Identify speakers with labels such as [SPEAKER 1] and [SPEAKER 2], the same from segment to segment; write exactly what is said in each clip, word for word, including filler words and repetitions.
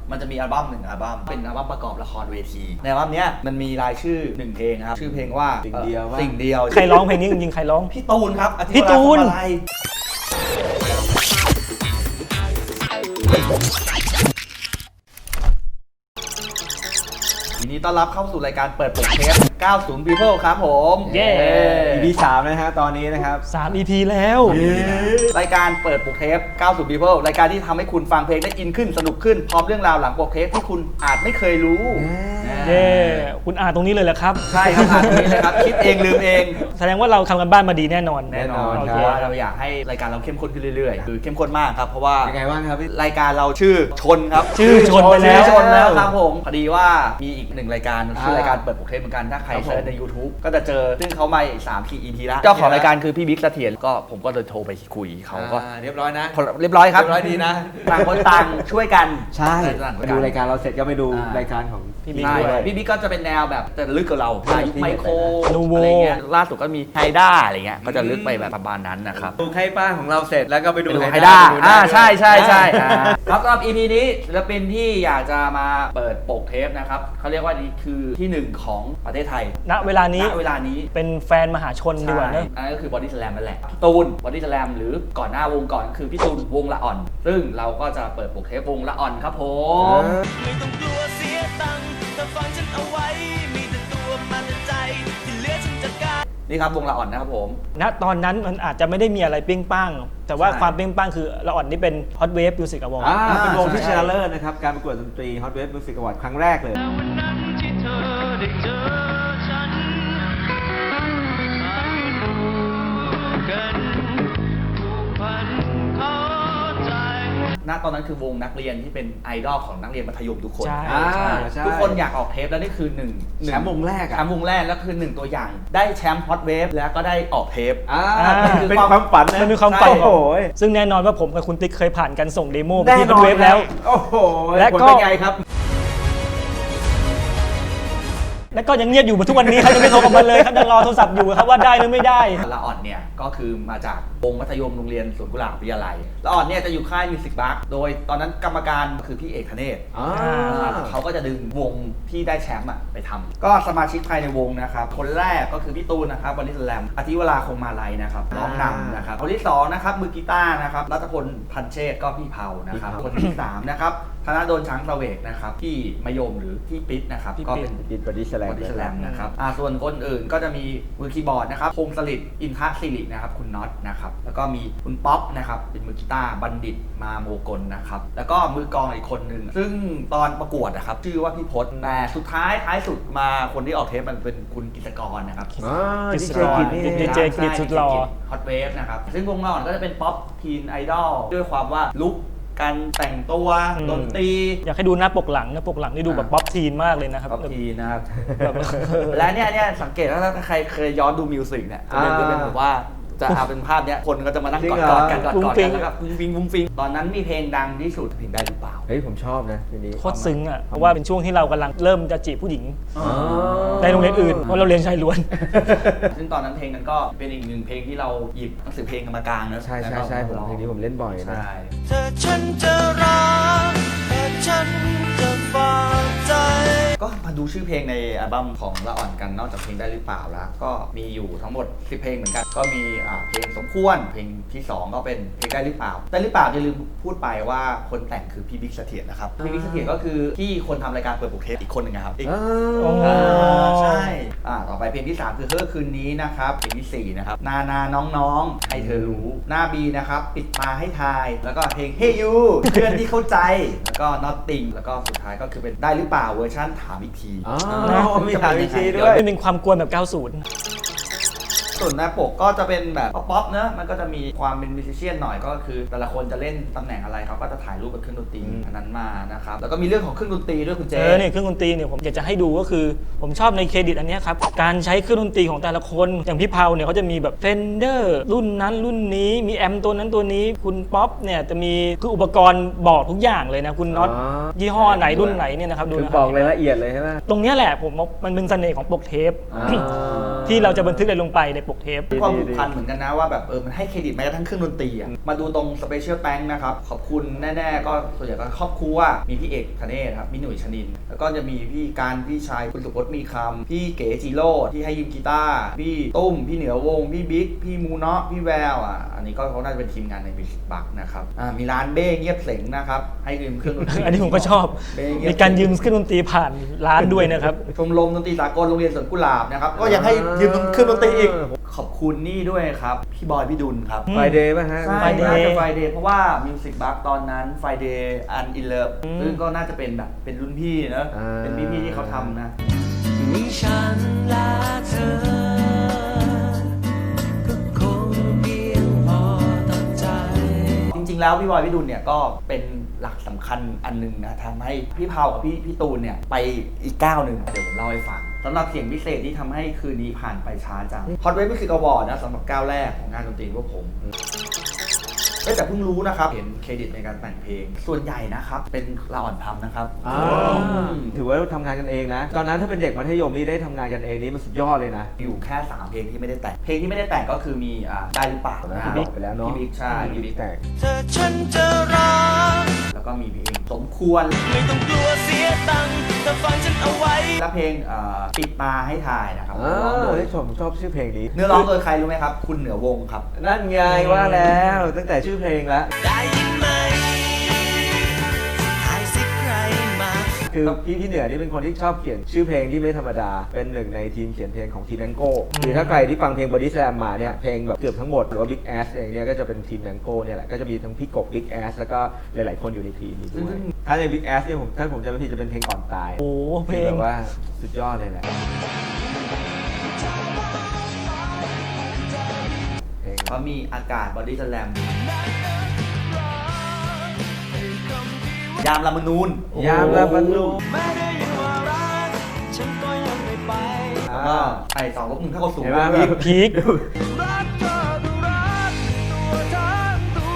[SPEAKER 1] มันจะมีอัลบั้มหนึ่งอัลบั้มเป็นอัลบั้มประกอบละครเวทีในอัลบั้มเนี้ยมันมีรายชื่อหนึ่งเพลงครับชื่อเพลงว่าสิ่งเดียวสิ่งเดียว
[SPEAKER 2] ใครร้องเพลงนี้จริงๆใครร้อง
[SPEAKER 1] พี่ตูนครับ
[SPEAKER 2] พี่ตูน
[SPEAKER 1] ยินดีต้อนรับเข้าสู่รายการเปิดปกเทปเก้าสิบ People ครับผม
[SPEAKER 2] เย้
[SPEAKER 3] อี พี สามนะฮะตอนนี้นะครับ
[SPEAKER 2] สาม อี พี แล้ว
[SPEAKER 1] รายการเปิดปกเทปเก้าสิบ People รายการที่ทำให้คุณฟังเพลงได้อินขึ้นสนุกขึ้นพร้อมเรื่องราวหลังปกเทปที่คุณอาจไม่เคยรู้
[SPEAKER 2] เย้คุณอ่านตรงนี้เลยแหละครับ
[SPEAKER 1] ใช่ครับอ่านตรงนี้เลยครับคิดเองลืมเอง
[SPEAKER 2] แสดงว่าเราทำกันบ้านมาดีแน่นอน
[SPEAKER 1] แน่นอนเพราะว่าเราอยากให้รายการเราเข้มข้นขึ้นเรื่อยๆคือเข้มข้นมากครับเพราะว่า
[SPEAKER 3] ยังไงบ้างครับ
[SPEAKER 1] รายการเราชื่อชนครับ
[SPEAKER 2] ชื่อชนไปแล้ว
[SPEAKER 1] ชนแล้วครับผมพอดีว่ามีอีกหนึ่งรายการชื่อรายการเปิดปกเทปเหมือนกันถ้าใครเซิร์ชใน ยูทูบ ก็จะเจอซึ่งเขามาอีกสาม อี พี แล้วเจ้าของรายการคือพี่บิ๊กเสถียรก็ผมก็เลยโทรไปคุยเขาก็
[SPEAKER 3] เรียบร้อยนะ
[SPEAKER 1] เรียบร้อยครับ
[SPEAKER 3] เรียบร้อยดีนะ
[SPEAKER 1] ต่างคนต่างช่วยกัน
[SPEAKER 3] ใช่ไปดูรายการเราเสร็จก็ไปดูรายการของ
[SPEAKER 1] พี่บิ๊กด้วยพี่บิ๊กก็จะเป็นแนวแบบแต่ลึกกว่าเราไมโครอะไรเงี้ยล่าสุดก็มีไฮด้าอะไรเงี้ยก็จะลึกไปแบบประมาณนั้นนะครับ
[SPEAKER 3] ดูไฮป้าของเราเสร็จแล้วก็ไปดู
[SPEAKER 1] ไฮด้าอ่าใช่ใช่ใช่ครับสำหรับ อี พี นี้ศิลปินที่อยากจะมาเปิดปกเทปนะครับเขาเรียกว่านี่คือที่หนึ่งของประเทศไทย
[SPEAKER 2] ณเวลานี้
[SPEAKER 1] ณเวลานี้
[SPEAKER 2] เป็นแฟนมหาชนดีกว่าเนอะ
[SPEAKER 1] อันนั้นก็คือบอดี้สแลมนั่นแหละพี่ตูนบอดี้สแลมหรือก่อนหน้าวงก่อนคือพี่ตูนวงละอ่อนซึ่งเราก็จะเปิดปกเทปวงละอ่อนครับผม
[SPEAKER 4] ไม่ต้องกลัวเสียตังค์แต่ฟังฉันเอาไว้มีแต่ตัวมันใจที่เหลือฉันจัดการ
[SPEAKER 1] นี่ครับวงละอ่อนนะครับผม
[SPEAKER 2] ณตอนนั้นมันอาจจะไม่ได้มีอะไรเปี้ยงป้างแต่ว่าความเปี้ยงป้างคือละอ่อนนี่เป็น Hot Wave Music Award
[SPEAKER 3] อ่าเป็นวงที่ชนะเลิศนะครับการประกวดดนตรี Hot Wave Music Award ครั้งแรกเลย
[SPEAKER 4] วันนั้นที่เธอได้เจอฉัน
[SPEAKER 1] ณตอนนั้นคือวงนักเรียนที่เป็นไอดอลของนักเรียนมัธยมทุกคน
[SPEAKER 3] ทุ
[SPEAKER 1] กคนอยากออกเทปแล้วนี่คือหนึ่ง
[SPEAKER 3] แชมป์วงแรก
[SPEAKER 1] แชมป์วงแรกแล้วคือหนึ่งตัวอย่างได้แชมป์ฮอตเวฟแล้วก็ได้ออกเทป
[SPEAKER 3] เป็นความฝันนะ
[SPEAKER 2] มันมีความฝันซึ่งแน่นอนว่าผมกับคุณติ๊กเคยผ่านการส่งเดโมไปที่ฮอตเวฟแล้ว
[SPEAKER 3] โอ้โห
[SPEAKER 2] และก็
[SPEAKER 3] ไงครับ
[SPEAKER 2] แล้วก็ยังเงียบอยู่มาทุกวันนี้ครับยังไม่โทรกลับมาเลยครับยังรอโทรศัพท์อยู่ครับว่าได้หรือไม่ได้
[SPEAKER 1] ละอ่อนเนี่ยก็คือมาจากวงมัธยมโรงเรียนสวนกุหลาบวิทยาลัยละอ่อนเนี่ยจะอยู่ค่ายมิวสิกบัคโดยตอนนั้นกรรมการคือพี่เอกธเนศเขาก็จะดึงวงที่ได้แชมป์ไปทำก็สมาชิกภายในวงนะครับคนแรกก็คือพี่ตูนนะครับบอดี้สแลมอธิวราคงมาลัยนะครับร้องนำนะครับคนที่สองนะครับมือกีตาร์นะครับรัตพลพันเชษก็พี่เผานะครับคนที่สามนะครับธนาโดนช้างเสวกนะครับที่มยมหรือที่ปิ๊ดนะครับก็เป็น
[SPEAKER 3] ปิ๊ดบอดี้สแลม
[SPEAKER 1] บอดี้สแลมนะครับส่วนคนอื่นก็จะมีมือคีย์บอร์ดนะครับพงศฤทธิ์อินทศิรินะครับคุณน็อตนะครับแล้วก็มีคุณป๊อปนะครับเป็นมือกีตาร์บัณฑิตมาโมกลนะครับแล้วก็มือกลองอีกคนหนึ่งซึ่งตอนประกวดนะครับชื่อว่าพี่พศแต่สุดท้ายท้ายสุดมาคนที่ออกเทปมันเป็นคุณกิจกรนะครับ
[SPEAKER 2] กิจกรดีเจกิจสุดหล่อ
[SPEAKER 1] ฮอตเวฟนะครับซึ่งวงเราก็จะเป็นป๊อปทีนไอดอลด้วยความว่าลุคการแต่งตัวดนตรี
[SPEAKER 2] อยากให้ดูหน้าปกหลังหน้าปกหลังนี่ดูแบบป๊อปทีนมากเลยนะครับ
[SPEAKER 1] ป๊อปทีนนะครับและเนี่ยเนี่ยสังเกตว่าถ้าใครเคยย้อนดูมิวสิกเนี่ยจะเป็นแบบว่าจะเอาเป็นภาพเนี้ยคนก็จะมานั่งกอดกอดกันกอดกอดกันแล้วก็ฟุ้งฟิงฟุ้งฟิงตอนนั้นมีเพลงดังที่สุดเพลงได้หรือเปล่า
[SPEAKER 3] เฮ้ยผมชอบนะทีนี้
[SPEAKER 2] โคตรซึ้งอ่ะเพราะว่าเป็นช่วงที่เรากำลังเริ่มจะจีบผู้หญิงในโรงเรียนอื่นเพราะเราเรียนชายล้วน
[SPEAKER 1] ซึ่งตอนนั้นเพลงนั้นก็เป็นอีกหนึ่งเพลงที่เราหยิบหนังสือเพลงมากลางนะ
[SPEAKER 3] ใช่ใช่ใช่ผมเพลงนี้ผมเล่นบ่อยนะ
[SPEAKER 4] เธอฉันจะรักแต่ฉันจะฝากใจ
[SPEAKER 1] ก็มาดูชื่อเพลงในอัลบั้มของละอ่อนกันนอกจากเพลงได้หรือเปล่าแล้วก็มีอยู่ทั้งหมดสิบเพลงเหมือนกันก็มีเพลงสมควรเพลงที่สองก็เป็นเพลงได้หรือเปล่าได้หรือเปล่าอย่าลืมพูดไปว่าคนแต่งคือพี่บิ๊กเสถียรนะครับพี่บิ๊กเสถียรก็คือที่คนทำรายการเปิดปกเทปอีกคนหนึ่งครับอีกใช่ต่อไปเพลงที่สามคือเฮ้อคืนนี้นะครับเพลงที่สี่นะครับนานาน้องๆให้เธอรู้หน้าบีนะครับปิดตาให้ทายแล้วก็เพลงเฮ้ยูเพื่อนที่เข้าใจแล้วก็ Nothing แล้วก็สุดท้ายก็คือเป็นได้หรือเปล่าเวอร์ชันถามอีกที
[SPEAKER 3] อ๋อมีถามอีกทีด้วย
[SPEAKER 2] เป็นความกวนแบบเก้าสิบ
[SPEAKER 1] ส่วนหน้าปกก็จะเป็นแบบป๊อปๆเนอะมันก็จะมีความเป็นมิวสิเชียนหน่อยก็คือแต่ละคนจะเล่นตำแหน่งอะไรเขาก็จะถ่ายรูปกับเครื่องดนตรีอันนั้นมานะครับแล้วก็มีเรื่องของเครื่องดนตรีด้วยคุณเจ
[SPEAKER 2] เออเนี่ยเครื่องดนตรีเนี่ยผมอยากจะให้ดูก็คือผมชอบในเครดิตอันนี้ครับการใช้เครื่องดนตรีของแต่ละคนอย่างพี่เผาเนี่ยเขาจะมีแบบเฟนเดอร์รุ่นนั้นรุ่นนี้มีแอมตัวนั้นตัวนี้คุณป๊อปเนี่ยจะมีคืออุปกรณ์บอกทุกอย่างเลยนะคุณน็อตยี่ห้อไหนรุ่นไหนเนี่ยนะครับดูนะ
[SPEAKER 3] บอกรายละเอียดเลยใช่ไหม
[SPEAKER 2] ตรงนี้แหละผมมันเป็นเสน่ห์ของปกเทปที่เราจะบันทึกอะไรลงไปในปกเทป
[SPEAKER 1] ความผูกพันเหมือนกันนะว่าแบบเออมันให้เครดิตแม้กระทั่งเครื่องดนตรีอะมาดูตรงสเปเชียลแ n งนะครับขอบคุณแน่ๆก็ส่วนใหญ่ก็ครอบครัวมีพี่เอกธเนศครับมีหนุ่ยชนินแล้วก็จะมีพี่การพี่ชายคุณสุพจน์มีคำพี่เก๋จิโร่ที่ให้ยืมกีตาร์พี่ตุ้มพี่เหนือวงพี่บิ๊กพี่มูเนาะพี่แววอ่ะอันนี้ก็เขาน่าจะเป็นทีมงานในมิวสิกบัคนะครับอ่ามีร้านเบ้เงียบเสงนะครับให้ยืมเครื่องดนตรี
[SPEAKER 2] อันนี้ผมก็ชอบ
[SPEAKER 1] เบ้เงียบ
[SPEAKER 2] มีการยืมเครื่องดนตรีผ่านร้านด้วยนะครับ
[SPEAKER 1] ชมรมดนตรีสากลโรงเรียนสวนกุหลาบนะครับก็ยังให้ยืมเครื่องดนตรีอีกขอบคุณนี่ด้วยครับพี่บอยพี่ดุลครับ
[SPEAKER 3] ไฟเดย์ป่ะฮะ
[SPEAKER 1] ใช่
[SPEAKER 2] Friday
[SPEAKER 1] น่าจะ Friday เพราะว่า Music Box ตอนนั้น Friday and in Love
[SPEAKER 2] อืม
[SPEAKER 1] ซึ่งก็น่าจะเป็นแบบเป็นรุ่นพี่เนอะ
[SPEAKER 3] อ่า
[SPEAKER 1] เป็นพี่ๆที่เขาทำนะ
[SPEAKER 4] มีฉันและเธอ ก็คงเพียงพอต่อใจ
[SPEAKER 1] จริงๆแล้วพี่บอยพี่ดุลเนี่ยก็เป็นหลักสำคัญอันหนึงนะทำให้พี่เผากับพี่พี่ตูนเนี่ยไปอีกก้าวหนึ่งเดี๋ยวผมเล่าให้ฟังสำหรับเสียงพิเศษที่ทำให้คืนนี้ผ่านไปช้าจัง Hot Wave Music Award นะสำหรับก้าวแรกของงานดนตรีพวกผม เอ้ยแต่เพิ่งรู้นะครับเห็นเครดิตในการแต่งเพลง ส่วนใหญ่นะครับเป็นเราอ่อนทำนะครับ
[SPEAKER 3] อ่าถือว่าทำงานกันเองนะ ตอนนั้นถ้าเป็นเด็กมัธยมนี่ได้ทำงานกันเองนี่มันสุดยอดเลยนะ
[SPEAKER 1] อยู่แค่สามเพลงที่ไม่ได้แต่งเพลงที่ไม่ได้แต่งก็คือมีอ่าได้หรือเปล่า
[SPEAKER 3] นะ
[SPEAKER 1] นะ
[SPEAKER 3] พี่บิ๊กไปแล้วเนอะ
[SPEAKER 1] พี่บิ๊กใช่พี่บิ๊ก
[SPEAKER 3] แต่
[SPEAKER 4] เธอฉันจะรัก
[SPEAKER 1] แล้วก็มีเพลงสมควร
[SPEAKER 4] ไม่ต้องกลัวเสียตังค์แต่ฟังฉันเอาไว้
[SPEAKER 1] และเพลงอ่าปิดตาให้ถ่ายนะครับ
[SPEAKER 3] อ่า
[SPEAKER 1] ร้องโดย
[SPEAKER 3] ได้ชมชอบชื่อเพลงนี้
[SPEAKER 1] เนื้อร้องโดยใครรู้ไหมครับ คุณเหนือวงครับ
[SPEAKER 3] นั่นไงว่าแล้วตั้งแต่ชื่อเพลงแล้ว
[SPEAKER 4] ได้ยินไหมหายสิใครมา
[SPEAKER 3] คือพี่พี่เหนือนี่เป็นคนที่ชอบเขียนชื่อเพลงที่ไม่ธรรมดา เป็นหนึ่งในทีมเขียนเพลงของทีมแองโก้คือถ้าใครที่ฟังเพลง Body Slam มาเนี่ยเพลงแบบเกือบทั้งหมดหรือว่า Big Ass เองเนี่ยก็จะเป็นทีมแองโก้เนี่ยแหละก็จะมีทั้งพี่กบ Big Ass แล้วก็หลายๆคนอยู่ในทีมนี้ด้วยถ้าใน Big Ass เนี่ยผมถ้าผมจำไม่ผิดจะเป็นเพลงก่อนตาย
[SPEAKER 2] โอ้โหเพล
[SPEAKER 3] คือง แบบว่าสุดยอดเลยแหละเพลง
[SPEAKER 1] เขามีอากาศบอดี้สแลมยามลามนูน
[SPEAKER 3] ยามละบรรลุ
[SPEAKER 4] ไม่ได้ยินว่ารักฉันก็ยังไม่ไป
[SPEAKER 1] แล้วก็ไอสองลบหนึ่งเท่ากับศูนย์
[SPEAKER 3] เห็นไหม
[SPEAKER 1] อีก
[SPEAKER 3] แบบ
[SPEAKER 2] พีค
[SPEAKER 4] รักเธอดูรักตัวทั้งตัว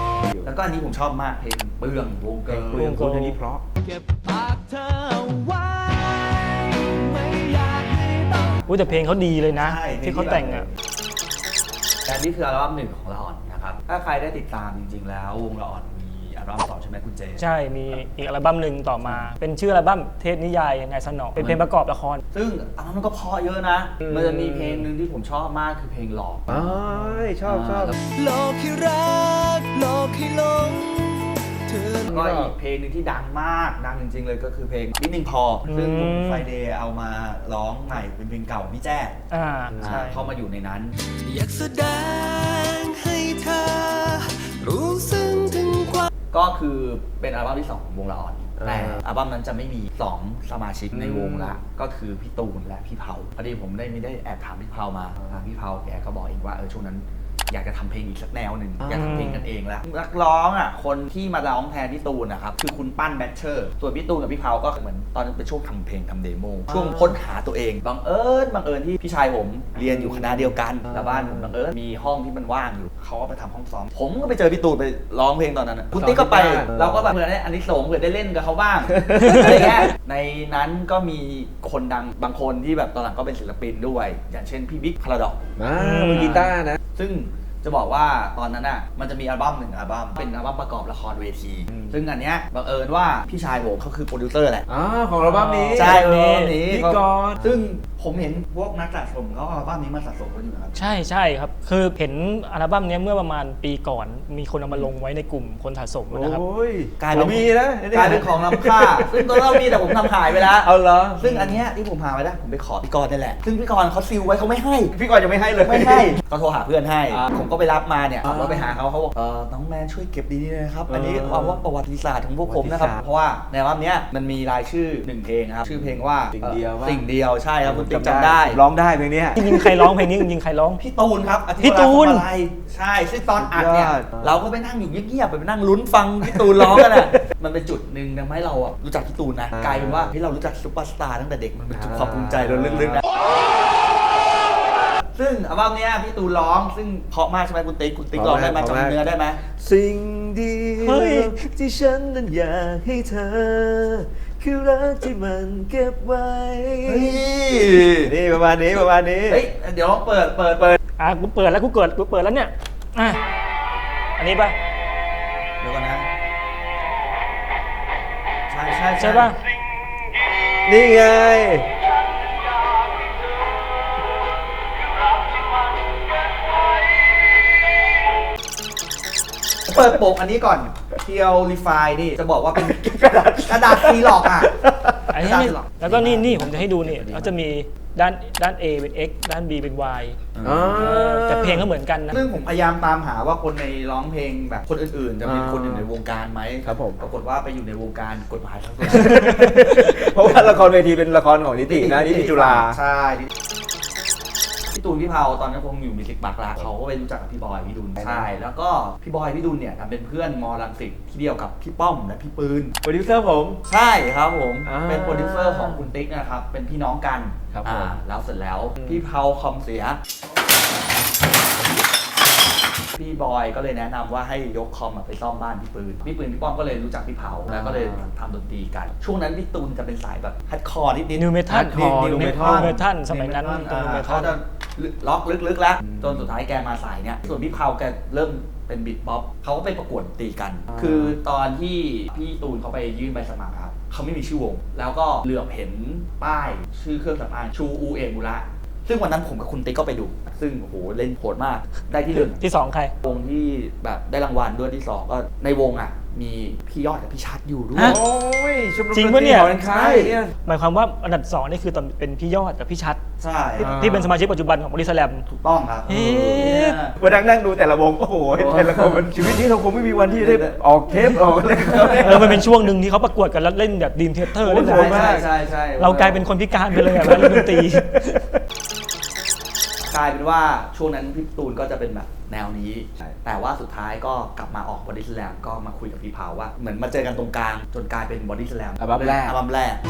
[SPEAKER 1] แล้วก็อันนี้ผมชอบมากเพลงเปลืองวง
[SPEAKER 3] เพ
[SPEAKER 1] เกิ
[SPEAKER 3] ลง
[SPEAKER 1] ร์ล
[SPEAKER 3] คุยกับคนนี้เพราะ
[SPEAKER 4] เก็บปากเธอไว้ ไม่อยากให้ต้อง
[SPEAKER 2] อุ้ยแต่เพลงเขาดีเลยนะ
[SPEAKER 1] ใช่
[SPEAKER 2] ที่เขาแต่งอ่ะ
[SPEAKER 1] แต่นี่คืออัลบั้มหนึ่งของละอ่อนนะครับ ถ้าใครได้ติดตามจริงๆแล้ววงละอ่อนมีอัลบั้มสองใช่ไหมคุณเจ
[SPEAKER 2] ใช่มีอีกอัลบั้มหนึ่งต่อมา เป็นชื่ออัลบั้มเทพนิยายนายสนองเป็นเพลงประกอบละคร
[SPEAKER 1] ซึ่งอัลบั้มมันก็เพราะเยอะนะ
[SPEAKER 3] อืม
[SPEAKER 1] มันจะมีเพลงหนึ่งที่ผมชอบมากคือเพลงหลอก
[SPEAKER 3] อ๋อชอบชอบ
[SPEAKER 1] แล้ว
[SPEAKER 4] โลกให้รักโลกให้หลงเธอ
[SPEAKER 1] ก็อีกเพลงหนึ่งที่ดังมากดังจริงๆเลยก็คือเพลงนิดนึงพอ ซึ่งวง
[SPEAKER 2] อืม
[SPEAKER 1] ไฟเดย์เอามาร้องใหม่เป็นเพลงเก่าของพี่แจ้
[SPEAKER 2] อ่า
[SPEAKER 1] ใช่
[SPEAKER 2] ใช่
[SPEAKER 1] เข้ามาอยู่ในนั้น
[SPEAKER 4] อยากแสดงให้เธอ รู้ซึ้งถึงความ
[SPEAKER 1] ก็คือเป็นอัลบั้มที่สองของวงละอ่อน
[SPEAKER 3] อ่า
[SPEAKER 1] แต่อัลบั้มนั้นจะไม่มีสองสมาชิกในวงละก็คือพี่ตูนและพี่เผาพอดีผมได้ไม่ได้แอบถามพี่เผามาทางพี่เผาแกก็บอกเองว่าเออช่วงนั้นอยากจะทำเพลงอีกสักแนวหนึ่งอยากทำเพลงกันเองแล้วนักร้องอ่ะคนที่มาร้องแทนพี่ตูนนะครับคือคุณปั้นแบทเชอร์ส่วนพี่ตูนกับพี่เผาก็เหมือนตอนนั้นเป็นช่วงทำเพลงทำเดโมช่วงค้นหาตัวเองบังเอิญบังเอิญที่พี่ชายผมเรียนอยู่คณะเดียวกันแล้วบ้านผมบังเอิญมีห้องที่มันว่างอยู่เขาก็ไปทำห้องซ้อมผมก็ไปเจอพี่ตูนไปร้องเพลงตอนนั้นอะคุณติ๊กก็ไป เราก็แบบเหมือนอันนี้สงส์เผื่อได้เล่นกับเขาบ้าง อะไรเงี้ยในนั้นก็มีคนดังบางคนที่แบบตอนหลังก็เป็นศิลปินด้วย อย่างเช่นพี่บิ๊กพาราดอก
[SPEAKER 3] อ่ามือกีตาร์นะ
[SPEAKER 1] ซึ่งจะบอกว่าตอนนั้นอ่ะมันจะมีอัลบั้มหนึ่งอัลบั้มเป็นอัลบั้มประกอบละครเวที
[SPEAKER 3] อืม
[SPEAKER 1] ซึ่งอันเนี้ยบังเอิญว่าพี่ชายผมเขาคือโปรดิวเซอร์แหละ
[SPEAKER 3] อ๋อของอัลบั้มนี้
[SPEAKER 1] ใช่อัลบั้มนี้
[SPEAKER 3] พี่กรณ์
[SPEAKER 1] ซึ่งผมเห็นพวกนักสะสมเขาเอาอัลบั้มนี้มาสะสมกันอยู่นะครับ
[SPEAKER 2] ใช่ใช่ครับ คือเห็นอัลบั้มเนี้ยเมื่อประมาณปีก่อน มีคนเอามาลงไว้ในกลุ่มคนสะสมนะครับ
[SPEAKER 3] โอ้ย
[SPEAKER 1] กลายเป็น
[SPEAKER 3] มีนะ
[SPEAKER 1] กลายเป็นของล้ำค่า ซึ่งตอนเรามีแต่ผมทำหายไปแล้ว
[SPEAKER 3] เอาเหรอ
[SPEAKER 1] ซึ่งอันเนี้ยที่ผมหาไว้ได้ผมไปขอพี่กรณ์นี่แหละ ซึ่งพี่กรณ์เขาซิลไว้เขาไม่ให้
[SPEAKER 3] พี่กรณ์ยังไม่ให้เลย
[SPEAKER 1] ไม่ให้ก็โทรหาเพื่อนให้
[SPEAKER 3] อ่า
[SPEAKER 1] ผมก็ไปรับมาเนี่ย
[SPEAKER 3] อ่า
[SPEAKER 1] ขับรถไปหาเขาเขาบอกเออน้องแมนช่วยเก็บดีๆนะครับ อันนี้
[SPEAKER 3] เออ
[SPEAKER 1] เอาว่าประวัติศาสตร์ของพวกผมนะครับ
[SPEAKER 3] ประวัติศาสตร์
[SPEAKER 1] เพราะว่าในอัลบั้มเนี้ยมันมีรายชื่อหนึ่งเพลงนะครับ ชื่อเพลงว่า
[SPEAKER 3] สิ่งเดียว
[SPEAKER 1] อ่อ
[SPEAKER 3] ว่า
[SPEAKER 1] สิ่งเดียวใช่ครับคุณติ๊กจำได้
[SPEAKER 3] ร้องได้เพลงเนี้ย
[SPEAKER 2] จริงๆใครร้องเพลงนี้จริงๆใครร้อง
[SPEAKER 1] พี่ตูนครับอาทิตย์
[SPEAKER 2] พี่ตูน
[SPEAKER 1] เวลาทำอะไรใช่ซึ่งตอนอัดเนี่ย
[SPEAKER 3] สุดยอด
[SPEAKER 1] เราก็ไปนั่งอยู่เงียบๆไปนั่งลุ้นฟังพี่ตูนร้องกันอ่ะ มันเป็นจุดหนึ่งทำให้เราอะรู้จักพี่ตูนนะ
[SPEAKER 3] อ่าก
[SPEAKER 1] ลายเป็นว่าที่เรารู้จักซุปเปอร์สตาร์ตั้งแต่เด็กมันเป็นจุด
[SPEAKER 3] อ่า
[SPEAKER 1] ความภูมิใจเราลึกๆนะซึ่งอัลบั้มเนี้ยพี่ตูนร้องซึ่งเพราะมากใช่ไหมคุณติ๊กคุณติ๊กร้องได้ไหมจำเนื้อได้ไหม
[SPEAKER 3] สิ่งเดี
[SPEAKER 2] เฮ้
[SPEAKER 3] ยวย ที่ฉันนั้นอยากให้เธอคือรักที่มันเก็บไว้
[SPEAKER 1] เฮ้ย
[SPEAKER 3] นี่ประมาณนี้ประมาณนี้
[SPEAKER 1] เฮ้ยเดี๋ยวเปิดเปิดเปิด
[SPEAKER 2] อ่ะกูเปิดแล้วกูเกิดกูเปิดแล้วเนี่ยอ่ะอันนี้ป่ะ
[SPEAKER 1] เดี๋ยวก่อนนะใช่ใช่
[SPEAKER 2] ใช่ป่ะ
[SPEAKER 3] นี่ไง
[SPEAKER 1] เปิดโปกอันนี้ก่อนเทียวรีไฟนี่จะบอกว่าเป็นกระดาษกระดาษซีล็อกอ่ะ
[SPEAKER 2] อันนี้นี่แล้วก็นี่นี่ผมจะให้ดูนี่เขาจะมีด้านด้าน A เป็น X ด้าน B เป็น Y
[SPEAKER 3] อ๋อ
[SPEAKER 2] เออแต่เพลงก็เหมือนกันนะ
[SPEAKER 1] ซึ่งผมพยายามตามหาว่าคนในร้องเพลงแบบคนอื่นๆ จะเป็นคนอยู่ในวงการไหม
[SPEAKER 3] ครับผม
[SPEAKER 1] ปรากฏว่าไปอยู่ในวงการกฎหมายทั้งหมด
[SPEAKER 3] เพราะว่าละครเวทีเป็นละครของนิตินะนิติจุฬา
[SPEAKER 1] ใช่พี่ตูนพี่เผาตอนนั้นคงอยู่มิวสิกบักละเขาก็ไปรู้จักกับพี่บอยพี่ดุลใช่แล้วก็พี่บอยพี่ดุลเนี่ยทำเป็นเพื่อนมอรังสิตที่เดียวกับพี่ป้อมและพี่ปืน
[SPEAKER 3] โปรดิวเซอร์ผม
[SPEAKER 1] ใช่ครับผม
[SPEAKER 3] อ่า
[SPEAKER 1] เป็นโปรดิวเซอร์ของคุณติ๊กนะครับ เป็นพี่น้องกัน
[SPEAKER 3] ครับ
[SPEAKER 1] อ่า
[SPEAKER 3] ผม
[SPEAKER 1] แล้วเสร็จแล้วพี่เผาคอมเสีย พี่บอยก็เลยแนะนำว่าให้ยกคอมไปซ่อมบ้านพี่ปืน พี่ปืนพี่ป้อมก็เลยรู้จักพี่เผาแล้วก็เลยทำดนตรีกัน ช่วงนั้นพี่ตูนจะเป็นสายแบบฮัดคอร์นิดนิด
[SPEAKER 2] New Metal
[SPEAKER 3] New Metal
[SPEAKER 2] New Metal สมัยนั้น
[SPEAKER 1] New
[SPEAKER 2] ตรง
[SPEAKER 1] Metal
[SPEAKER 2] New
[SPEAKER 1] เขา
[SPEAKER 2] Metal
[SPEAKER 1] จะล็อกลึกๆแล้วจนสุดท้ายแกมาสายเนี่ยส่วนพี่เผาแกเริ่มเป็นบิทป๊อปเขาก็ไปประกวดดนตรีกัน
[SPEAKER 3] อ่า
[SPEAKER 1] คือตอนที่พี่ตูนเขาไปยื่นใบสมัครครับเขาไม่มีชื่อวง แล้วก็เหลือบเห็นป้ายชื่อเครื่องสำอางชูอูเอมูระซึ่งวันนั้นผมกับคุณติ๊กก็ไปดู ซึ่งโอ้โหเล่นโหดมากได้ที่หนึ่ง
[SPEAKER 2] ที่สองใคร
[SPEAKER 1] วงที่แบบได้รางวัลด้วยที่สองก็ในวงอ่ะมีพี่ยอดกับพี่ชัดอยู่ด้วย
[SPEAKER 2] ฮะ
[SPEAKER 3] โอ้ยชมรม
[SPEAKER 2] จริงปะเนี่ย
[SPEAKER 3] ดตรีหอคายเนี่ย
[SPEAKER 2] หมายความว่าอันดับสองนี่คือตอนเป็นพี่ยอดกับพี่ชัด
[SPEAKER 1] ใช่
[SPEAKER 2] ที่
[SPEAKER 3] อ่า
[SPEAKER 2] ที่เป็นสมาชิกปัจจุบันของบริษัทแลม
[SPEAKER 1] ถูกต้องครับ
[SPEAKER 2] เอ๊ะ
[SPEAKER 3] มานั่งนั่งดูแต่ละวงโอ้โหแต่ละคนมันชีวิตนี้เราคงไม่มีวันที่ได้ออกเทปออกอะไร
[SPEAKER 2] เออมันเป็นช่วงหนึ่งที่เขาประกวดกันแล้วเล่นแบบดีมเทเตอร์
[SPEAKER 3] โอ้
[SPEAKER 2] เล่น
[SPEAKER 3] โห
[SPEAKER 2] อะไร
[SPEAKER 1] ใช่ใช่ใช่
[SPEAKER 2] เรากลายเป็นคนพิการไปเลยอะแล้วเล่นดนตรี
[SPEAKER 1] กลายเป็นว่าช่วงนั้นพี่ตูนก็จะเป็นแบบแนวนี้
[SPEAKER 3] ใช่
[SPEAKER 1] แต่ว่าสุดท้ายก็กลับมาออกบอดี้สแลมก็มาคุยกับพี่เผาว่าเหมือนมาเจอกันตรงกลางจนกลายเป็นบอดี้สแลม
[SPEAKER 3] อัลบั้มแรก
[SPEAKER 1] อัลบั้มแรก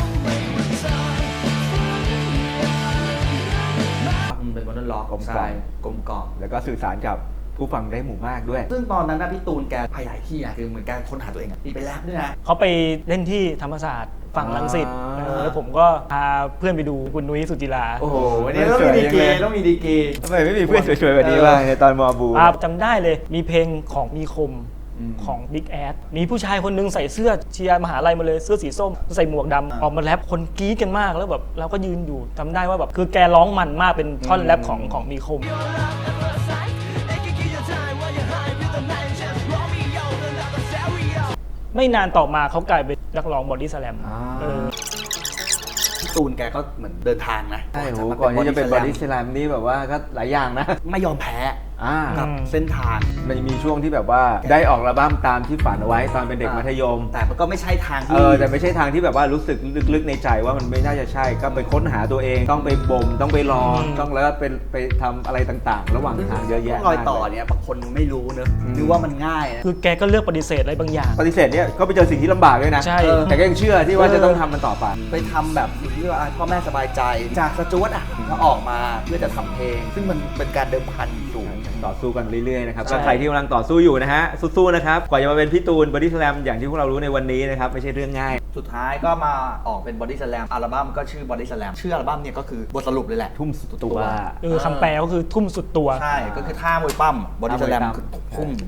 [SPEAKER 1] มันเป็นวันนั้นล็อก
[SPEAKER 3] กลมกล่อม
[SPEAKER 1] ใช่กลมกล่อม
[SPEAKER 3] แล้วก็สื่อสารกับผู้ฟังได้หมู่มากด้วย
[SPEAKER 1] ซึ่งตอนนั้นนะพี่ตูนแกพยายที่อ่ะคือเหมือนแกค้นหาตัวเองอ่ะมีไปแรปด้วยนะ
[SPEAKER 2] เขาไปเล่นที่ธรรมศาสตร์ฝั่งรังสิต
[SPEAKER 3] อ่า
[SPEAKER 2] เออแล้วผมก็พาเพื่อนไปดูคุณนุ้ยสุจิรา
[SPEAKER 1] โอ้โหวันนี้ต้องมีดีเกต้องมีดีเก
[SPEAKER 3] ทำไมไม่มีเพื่อนสวยๆแบบนี้บ้างในตอนมอบู
[SPEAKER 2] อ่าจำได้เลยมีเพลงของมีคม
[SPEAKER 1] อืม
[SPEAKER 2] ของ Big Ass มีผู้ชายคนนึงใส่เสื้อเชียร์มหาลัยมาเลยเสื้อสีส้มใส่หมวกดำ
[SPEAKER 1] อ่า
[SPEAKER 2] ออกมาแรปคนกรี๊ดกันมากแล้วแบบเราก็ยืนอยู่จำได้ว่าแบบคือแกร้องมันมากเป็นท่อนแรปของของมีคม ไม่นานต่อมาเขากลายเป็นนักร้องบอดี้สแลม
[SPEAKER 3] อ่า
[SPEAKER 2] เออ
[SPEAKER 1] พี่ตูนแกก็เหมือนเดินทางนะ
[SPEAKER 3] ใช่โหก่อนที่จะเป็นบอดี้สแลมนี่แบบว่าก็หลายอย่างนะ
[SPEAKER 1] ไม่ยอมแพ้
[SPEAKER 3] อ่า
[SPEAKER 1] กับเส้นทาง
[SPEAKER 3] มันมีช่วงที่แบบว่าได้ออกอัลบั้มตามที่ฝันเอาไว้ตอนเป็นเด็กมัธยม
[SPEAKER 1] แต่มันก็ไม่ใช่ทาง
[SPEAKER 3] เอ
[SPEAKER 1] ที่
[SPEAKER 3] อแต่ไม่ใช่ทางที่แบบว่ารู้สึกลึกๆในใจว่ามันไม่น่าจะใช่ก็ไปค้นหาตัวเองต้องไปบ่มต้องไปรอ
[SPEAKER 2] อืม
[SPEAKER 3] ต้องแล้วก็เป็นไปทำอะไรต่างๆ ระหว่างทางเยอะแยะ
[SPEAKER 1] รอยต่อ
[SPEAKER 3] มากเล
[SPEAKER 1] เนี่ยบางคนไม่รู้เนอะ
[SPEAKER 3] อืม
[SPEAKER 1] นึกว่ามันง่ายนะ
[SPEAKER 2] คือแกก็เลือกปฏิเสธอะไรบางอย่าง
[SPEAKER 3] ปฏิเสธเนี่ยก็ไปเจอสิ่งที่ลำบากด้วยนะ
[SPEAKER 2] ใช่
[SPEAKER 3] เออแต่ก็ยังเชื่อที่ว่าจะต้องทำมันต่อไป
[SPEAKER 1] ไปทำแบบสิ่งที่ว่าพ่อแม่สบายใจ จากสจวตอ่ะแล้วออกมาเพื่อจะทำเพลง ซึ่งมันเป็นการเดิมพันสูง
[SPEAKER 3] ต่อสู้กันเรื่อยๆนะครับ
[SPEAKER 2] ใช่
[SPEAKER 3] ก็ใครที่กำลังต่อสู้อยู่นะฮะสู้ๆนะครับกว่าจะมาเป็นพี่ตูนบอดี้สแลมอย่างที่พวกเรารู้ในวันนี้นะครับไม่ใช่เรื่องง่าย
[SPEAKER 1] สุดท้ายก็มาออกเป็นบอดี้สแลมอัลบั้มก็ชื่อบอดี้สแลมชื่ออัลบั้มเนี่ยก็คือบทสรุปเลยแหละ
[SPEAKER 3] ทุ่มสุดตัว
[SPEAKER 2] เออคำแปลก็คือทุ่มสุดตัว
[SPEAKER 1] ใช่ก็คือท่ามวยปั้มบอดี้สแลม
[SPEAKER 3] ท่ามวยปั้ม
[SPEAKER 1] คือทุ่ม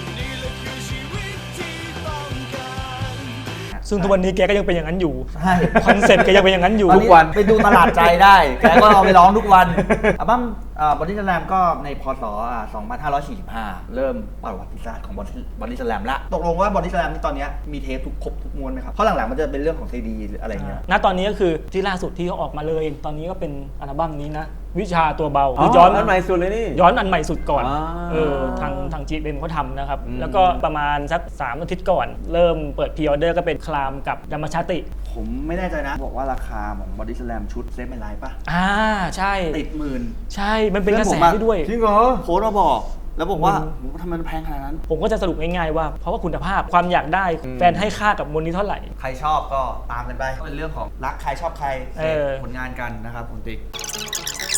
[SPEAKER 2] ซึ่งทุกวันนี้แกก็ยังเป็นอย่างนั้นอยู่
[SPEAKER 1] ใช่
[SPEAKER 2] คอนเซ็ปต์แกยังเป็นอย่างนั้นอยู่
[SPEAKER 1] ตอนนี้ไปดูตลาดใจได้แกก็เอาไปร้องทุกวันอัลบั้มบอดี้สแลมก็ในพศอ่าสองพันห้าร้อยสี่สิบห้าเริ่มประวัติศาสตร์ของบอดี้สแลมละตกลงว่าบอดี้สแลมตอนนี้มีเทปทุกครบทุกม้วนไหมครับเพราะหลังๆมันจะเป็นเรื่องของซีดีหรืออะไรเงี้ย
[SPEAKER 2] ณตอนนี้ก็คือที่ล่าสุดที่เขาออกมาเลย ตอนนี้ก็เป็นอัลบั้มนี้นะ วิชาตัวเบา
[SPEAKER 3] อ๋อ
[SPEAKER 2] คือย้อน
[SPEAKER 3] อันใหม่สุดเลยนี่
[SPEAKER 2] ย้อนอันใหม่สุดก่อน
[SPEAKER 3] อ่า
[SPEAKER 2] เออทางทางจีเอ็มเขาทำนะครับ
[SPEAKER 3] อืม
[SPEAKER 2] แล้วก็ประมาณสักสามอาทิตย์ก่อน เริ่มเปิดพรีออเดอร์ก็เป็นคลามกับดัมมชาติ
[SPEAKER 1] ผมไม่แน่ใจนะ บอกว่าราคาของบอดี้สแลมชุดเซฟไม่ไลฟ์ป่ะ
[SPEAKER 2] อ่าใช่
[SPEAKER 1] ติดหมื่น
[SPEAKER 2] ใช่มันเป็นกระแสที่ด้วย
[SPEAKER 3] จริงเหรอ
[SPEAKER 1] โค้ดมาบอก แล้วบอกว่า
[SPEAKER 2] อืม
[SPEAKER 1] โหทำไมมันแพงขนาดนั้น
[SPEAKER 2] ผมก็จะสรุปง่ายๆว่าเพราะว่าคุณภาพความอยากได้
[SPEAKER 3] อืม
[SPEAKER 2] แฟนให้ค่ากับมูลนี้เท่าไหร่
[SPEAKER 1] ใครชอบก็ตามกันไปเป็นเรื่องของรักใครชอบใคร
[SPEAKER 2] เออ
[SPEAKER 1] ผลงานกันนะครับคุณติ๊ก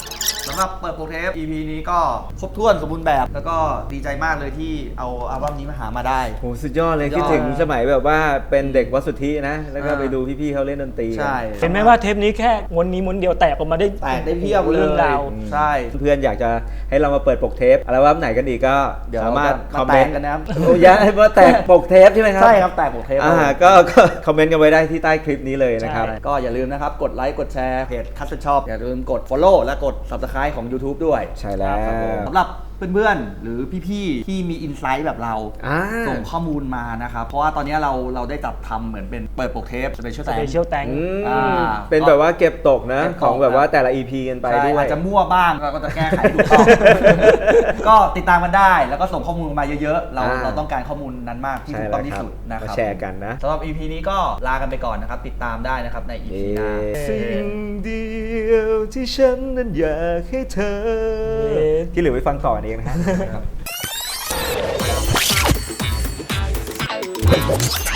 [SPEAKER 1] สำหรับเปิดโปรเทป อี พี นี้ก็ครบถ้วนสมบูรณ์แบบ แล้วก็ดีใจมากเลยที่เอาอัลบั้มนี้มาหามาได้
[SPEAKER 3] โหสุดยอดเลย
[SPEAKER 1] สุดยอด
[SPEAKER 3] คิดถึงสมัยแบบว่าเป็นเด็กวัดสุทธินะ แล้วก็
[SPEAKER 1] อ่า
[SPEAKER 3] ไปดูพี่ๆเขาเล่นดนตรีกัน
[SPEAKER 1] ใช่
[SPEAKER 2] เห็นไหมว่าเทปนี้แค่ม้วนนี้ม้วนเดียวแตกออกมาได้
[SPEAKER 1] แตกได้เพียบเลย
[SPEAKER 2] เรื่องราว
[SPEAKER 1] ใช่
[SPEAKER 3] เพื่อนอยากจะให้เรามาเปิดปกเทปอัลบั้มไหนกันอีกก็
[SPEAKER 1] เดี๋ยว
[SPEAKER 3] สามารถ
[SPEAKER 1] จะ
[SPEAKER 3] คอม
[SPEAKER 1] มา
[SPEAKER 3] เม
[SPEAKER 1] แต
[SPEAKER 3] น
[SPEAKER 1] ก
[SPEAKER 3] ต์
[SPEAKER 1] กันนะครับ
[SPEAKER 3] โอ้ยให้มาแตกปกเทปใช่ไหมครับ
[SPEAKER 1] ใช่ครับแตกโปรเทป
[SPEAKER 3] อ่าก็ก็คอมเมนต์กันไว้ได้ที่ใต้คลิปนี้เลยนะครับ
[SPEAKER 1] ใช่ก็อย่าลืมนะครับ กดไลค์ กดแชร์เพจคัสชอบอย่าลืมกด Follow และกด Subscribe ของ YouTube ด้วย
[SPEAKER 3] ใช่แล้ว
[SPEAKER 1] ครับผมสำหรับเพื่อนๆ หรือพี่ๆ ที่มีอินไซต์แบบเรา
[SPEAKER 3] อ่า
[SPEAKER 1] ส่งข้อมูลมานะครับ เพราะว่าตอนนี้เราเราได้จัดทำเหมือนเป็นเปิดปกเทปสเปเชียล
[SPEAKER 2] ส
[SPEAKER 1] แต
[SPEAKER 2] เปเชียลแตง
[SPEAKER 3] อืม
[SPEAKER 1] อ่า
[SPEAKER 3] เป็นแบบว่าเก็บตกนะ
[SPEAKER 1] เก็บตก
[SPEAKER 3] ของแบบว่า
[SPEAKER 1] ครับ
[SPEAKER 3] แต่ละ อี พี กันไป
[SPEAKER 1] ใช่
[SPEAKER 3] ด้วย
[SPEAKER 1] อาจจะมั่วบ้างเราก็จะแก้ไขถูกต้อง ก็ติดตามกันได้แล้วก็ส่งข้อมูลมาเยอะๆ เรา
[SPEAKER 3] อ่า
[SPEAKER 1] เราต้องการข้อมูลนั้นมากที่
[SPEAKER 3] ใช่
[SPEAKER 1] ถูก
[SPEAKER 3] แล้
[SPEAKER 1] ต้อ
[SPEAKER 3] ว
[SPEAKER 1] งที่
[SPEAKER 3] ครับ
[SPEAKER 1] สุดนะค
[SPEAKER 3] มา
[SPEAKER 1] รับ
[SPEAKER 3] แชร์กันนะ
[SPEAKER 1] สำหรับ อี พี นี้ก็ลากันไปก่อนนะครับ ติดตามได้นะครับใน อี พี หน้า
[SPEAKER 3] สิ่งเดียวที่ฉันนั้นอยากให้เธอ
[SPEAKER 2] เย้
[SPEAKER 3] ที่เหลือไปฟังต่อเองนะครับ